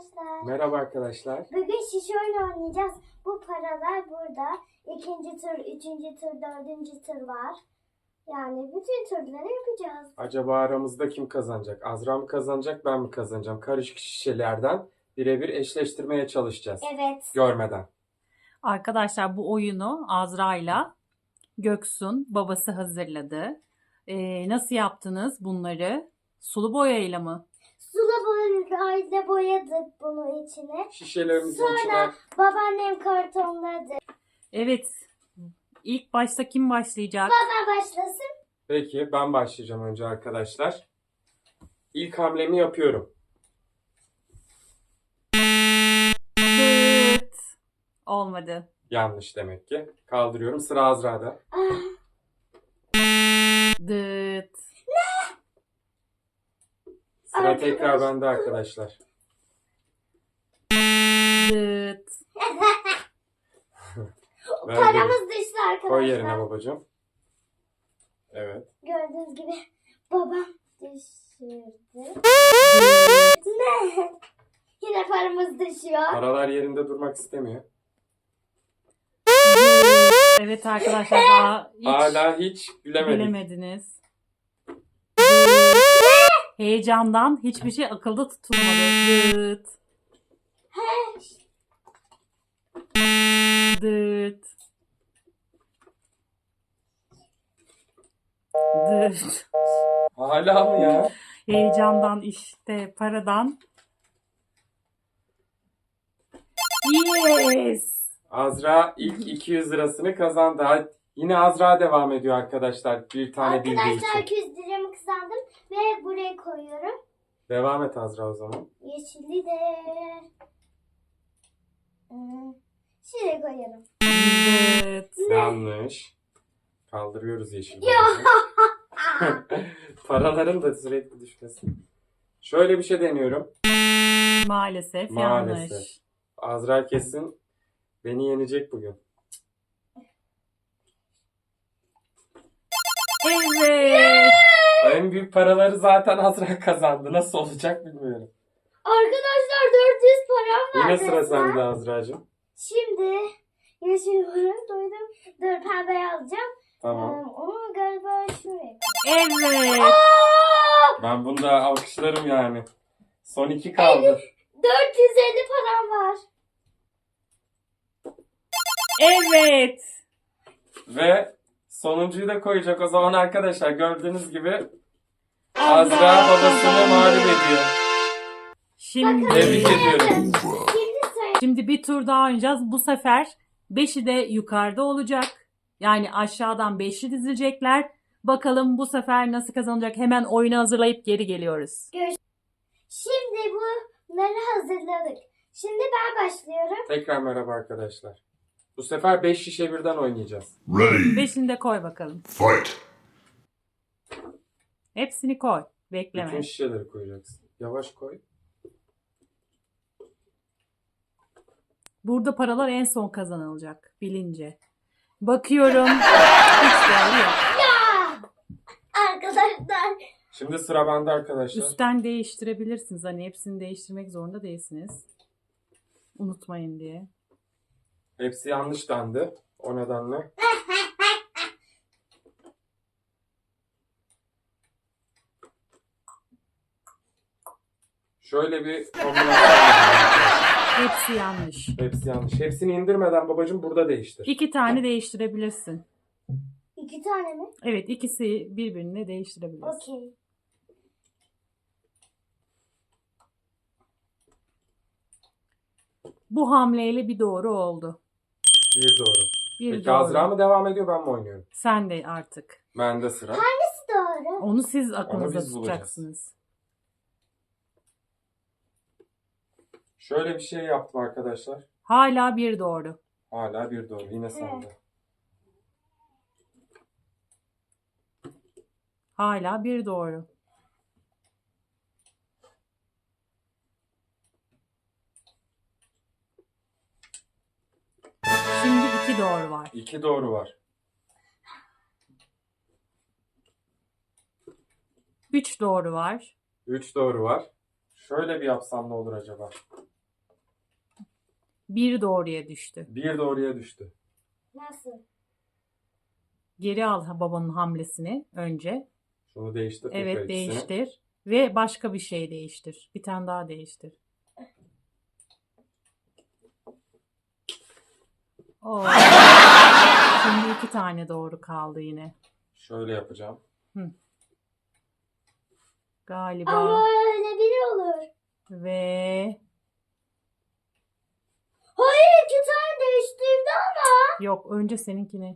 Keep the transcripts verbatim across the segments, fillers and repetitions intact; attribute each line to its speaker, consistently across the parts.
Speaker 1: arkadaşlar.
Speaker 2: Merhaba arkadaşlar.
Speaker 1: Bugün şişe oyunu oynayacağız. Bu paralar burada. İkinci tur, üçüncü tur, dördüncü tur var. Yani bütün turları yapacağız.
Speaker 2: Acaba aramızda kim kazanacak? Azra mı kazanacak, ben mi kazanacağım? Karışık şişelerden birebir eşleştirmeye çalışacağız.
Speaker 1: Evet.
Speaker 2: Görmeden.
Speaker 3: Arkadaşlar bu oyunu Azra'yla Göksun babası hazırladı. Ee, nasıl yaptınız bunları? Sulu boyayla mı?
Speaker 1: Sulu boyayla boyadık bunu içine.
Speaker 2: Şişelerimizin
Speaker 1: Sonra
Speaker 2: içine
Speaker 1: babaannem kartonladı.
Speaker 3: Evet. İlk başta kim başlayacak?
Speaker 1: Baba başlasın.
Speaker 2: Peki ben başlayacağım önce arkadaşlar. İlk hamlemi yapıyorum.
Speaker 3: Dıt. Olmadı.
Speaker 2: Yanlış demek ki. Kaldırıyorum. Sıra Azra'da.
Speaker 1: Ah,
Speaker 3: Dıt.
Speaker 2: Sıra
Speaker 1: Arkadaş-
Speaker 2: tekrar bende arkadaşlar.
Speaker 3: Dıt.
Speaker 2: Ver
Speaker 1: paramız düştü arkadaşlar.
Speaker 2: Koy yerine babacığım. Evet.
Speaker 1: Gördüğünüz gibi babam düşürdü.
Speaker 3: Dıt.
Speaker 1: Ne? Yine paramız düşüyor.
Speaker 2: Paralar yerinde durmak istemiyor.
Speaker 3: Evet arkadaşlar daha hiç
Speaker 2: Hala hiç bilemedik.
Speaker 3: bilemediniz. Heyecandan hiçbir şey akılda tutulmadı. Dıt. Dıt. Dıt.
Speaker 2: Hala mı ya?
Speaker 3: Heyecandan işte paradan. Yes.
Speaker 2: Azra ilk iki yüz lirasını kazandı. Hadi. Yine Azra devam ediyor arkadaşlar. Bir tane bildiği
Speaker 1: Arkadaşlar
Speaker 2: için.
Speaker 1: iki yüz liramı kazandım ve buraya koyuyorum.
Speaker 2: Devam et Azra o zaman.
Speaker 1: Yeşilli de hmm, şuraya koyalım.
Speaker 3: Dıt.
Speaker 2: Yanlış. Kaldırıyoruz yeşil.
Speaker 1: Ya.
Speaker 2: Paraların da sürekli düşmesi. Şöyle bir şey deniyorum.
Speaker 3: Maalesef,
Speaker 2: Maalesef.
Speaker 3: yanlış.
Speaker 2: Azra kesin beni yenecek bugün.
Speaker 3: Evet.
Speaker 2: En büyük paraları zaten Azra kazandı. Nasıl olacak bilmiyorum.
Speaker 1: Arkadaşlar dört yüz param var.
Speaker 2: Yine sıra
Speaker 1: resmen.
Speaker 2: sende Azra'cığım.
Speaker 1: Şimdi yeşil param doydum. Dur pembe alacağım.
Speaker 2: Tamam.
Speaker 1: Ee, onu galiba şuraya.
Speaker 3: Evet.
Speaker 1: Aa!
Speaker 2: Ben bunu da alkışlarım yani. Son iki kaldı.
Speaker 1: dört yüz elli param var.
Speaker 3: Evet.
Speaker 2: Ve sonuncuyu da koyacak o zaman arkadaşlar. Gördüğünüz gibi
Speaker 3: Azra
Speaker 2: Azra babasını
Speaker 3: kazandı.
Speaker 2: mağlup ediyor.
Speaker 3: Şimdi
Speaker 2: Tebrik ediyorum.
Speaker 1: Şimdi söyle.
Speaker 3: Şimdi bir tur daha oynayacağız. Bu sefer beşi de yukarıda olacak. Yani aşağıdan beşli dizilecekler. Bakalım bu sefer nasıl kazanacak? Hemen oyunu hazırlayıp geri geliyoruz.
Speaker 1: Şimdi bunları hazırladık. Şimdi ben başlıyorum.
Speaker 2: Tekrar merhaba arkadaşlar. Bu sefer beş şişe birden oynayacağız.
Speaker 4: Ready,
Speaker 3: Beşini de koy bakalım.
Speaker 4: fight!
Speaker 3: Hepsini koy.
Speaker 2: Bütün
Speaker 3: Bekleme.
Speaker 2: şişeleri koyacaksın. Yavaş koy.
Speaker 3: Burada paralar en son kazanılacak bilince. Bakıyorum. Hiç değerli yok.
Speaker 1: Ya! Arkadaşlar.
Speaker 2: Şimdi sıra bende arkadaşlar.
Speaker 3: Üstten değiştirebilirsiniz. Hani hepsini değiştirmek zorunda değilsiniz. Unutmayın diye.
Speaker 2: Hepsi yanlış dendi. O nedenle. Şöyle bir kombinasyon yapacağım.
Speaker 3: Hepsi yanlış.
Speaker 2: Hepsi yanlış. Hepsini indirmeden babacığım burada değiştir.
Speaker 3: İki tane değiştirebilirsin.
Speaker 1: İki tane mi?
Speaker 3: Evet, ikisi birbirini değiştirebilirsin.
Speaker 1: Okey.
Speaker 3: Bu hamleyle bir doğru oldu.
Speaker 2: Bir doğru.
Speaker 3: Bir
Speaker 2: Peki
Speaker 3: doğru.
Speaker 2: Azra mı devam ediyor, ben mi oynuyorum?
Speaker 3: Sen de artık.
Speaker 2: Bende sıra.
Speaker 1: Doğru.
Speaker 3: Onu siz aklınıza
Speaker 2: biz bulacağız.
Speaker 3: tutacaksınız.
Speaker 2: Şöyle bir şey yaptım arkadaşlar.
Speaker 3: Hala bir doğru.
Speaker 2: Hala bir doğru. Yine sende.
Speaker 3: Hala bir doğru. Şimdi iki doğru var.
Speaker 2: İki doğru var.
Speaker 3: Üç doğru var.
Speaker 2: Üç doğru var. Şöyle bir yapsam ne olur acaba?
Speaker 3: Bir doğruya düştü.
Speaker 2: Bir doğruya düştü.
Speaker 1: Nasıl?
Speaker 3: Geri al babanın hamlesini önce.
Speaker 2: Şunu değiştir. tekrar
Speaker 3: Evet,
Speaker 2: ikisini.
Speaker 3: değiştir. Ve başka bir şey değiştir. Bir tane daha değiştir. Oo. Şimdi iki tane doğru kaldı yine.
Speaker 2: Şöyle yapacağım.
Speaker 3: Galiba.
Speaker 1: Ama öyle biri olur.
Speaker 3: Ve
Speaker 1: Hayır, iki tane değiştirdi ama.
Speaker 3: yok, önce seninkini.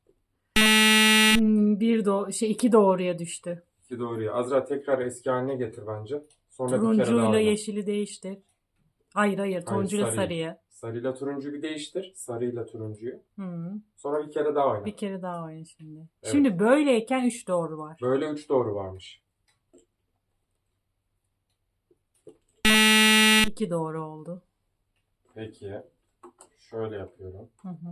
Speaker 3: Hmm, bir do şey iki doğruya düştü.
Speaker 2: İki doğruya. Azra tekrar eski haline getir bence. Sonra bir kere daha
Speaker 3: Turuncuyla
Speaker 2: oyna.
Speaker 3: yeşili değiştir. Hayır hayır, turuncuyla
Speaker 2: sarıyı.
Speaker 3: sarıyı.
Speaker 2: Sarıyla turuncuyu bir değiştir. Sarıyla turuncuyu.
Speaker 3: Hı.
Speaker 2: Sonra bir kere daha oyna.
Speaker 3: Bir kere daha oyna şimdi.
Speaker 2: Evet.
Speaker 3: Şimdi böyleyken üç doğru var.
Speaker 2: Böyle üç doğru varmış.
Speaker 3: İki doğru oldu.
Speaker 2: Peki. Şöyle yapıyorum.
Speaker 3: Hı hı.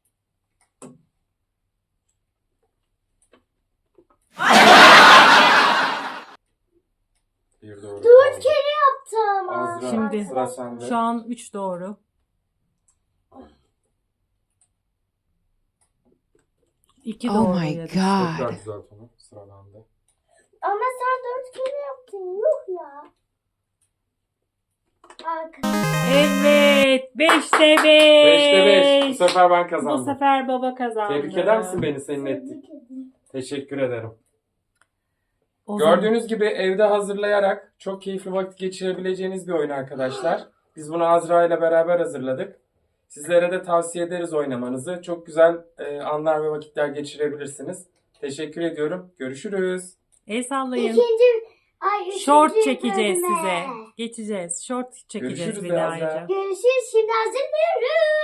Speaker 2: Bir doğru
Speaker 1: Dört
Speaker 2: kaldı.
Speaker 1: kere yaptı ama.
Speaker 2: Azra,
Speaker 3: Şimdi
Speaker 2: sıra sende.
Speaker 3: Şu an üç doğru. İki
Speaker 4: Oh
Speaker 3: doğruya
Speaker 4: my
Speaker 3: düştü.
Speaker 4: God.
Speaker 2: Tekrar düzelt onu. Sıra bende.
Speaker 1: Ama sen dört kere yaptın. Yuh ya. Arka.
Speaker 3: Evet. Beşte beş.
Speaker 2: Beşte beş. Bu sefer ben
Speaker 3: Bu
Speaker 2: kazandım.
Speaker 3: sefer baba kazandı.
Speaker 2: Tebrik eder misin beni senin ettik?
Speaker 1: Tebrik ederim.
Speaker 2: Teşekkür ederim.
Speaker 3: O zaman-
Speaker 2: Gördüğünüz gibi evde hazırlayarak çok keyifli vakit geçirebileceğiniz bir oyun arkadaşlar. Biz bunu Azra ile beraber hazırladık. Sizlere de tavsiye ederiz oynamanızı. Çok güzel e, anlar ve vakitler geçirebilirsiniz. Teşekkür ediyorum. Görüşürüz.
Speaker 3: El sallayın.
Speaker 1: İkinci, ay üçüncü
Speaker 3: Short çekeceğiz
Speaker 1: bölüme.
Speaker 3: size. Geçeceğiz. Short çekeceğiz
Speaker 2: Görüşürüz
Speaker 3: bir
Speaker 2: de
Speaker 3: daha
Speaker 2: Azra.
Speaker 3: ayrıca.
Speaker 1: Görüşürüz. Şimdi hazırlıyoruz.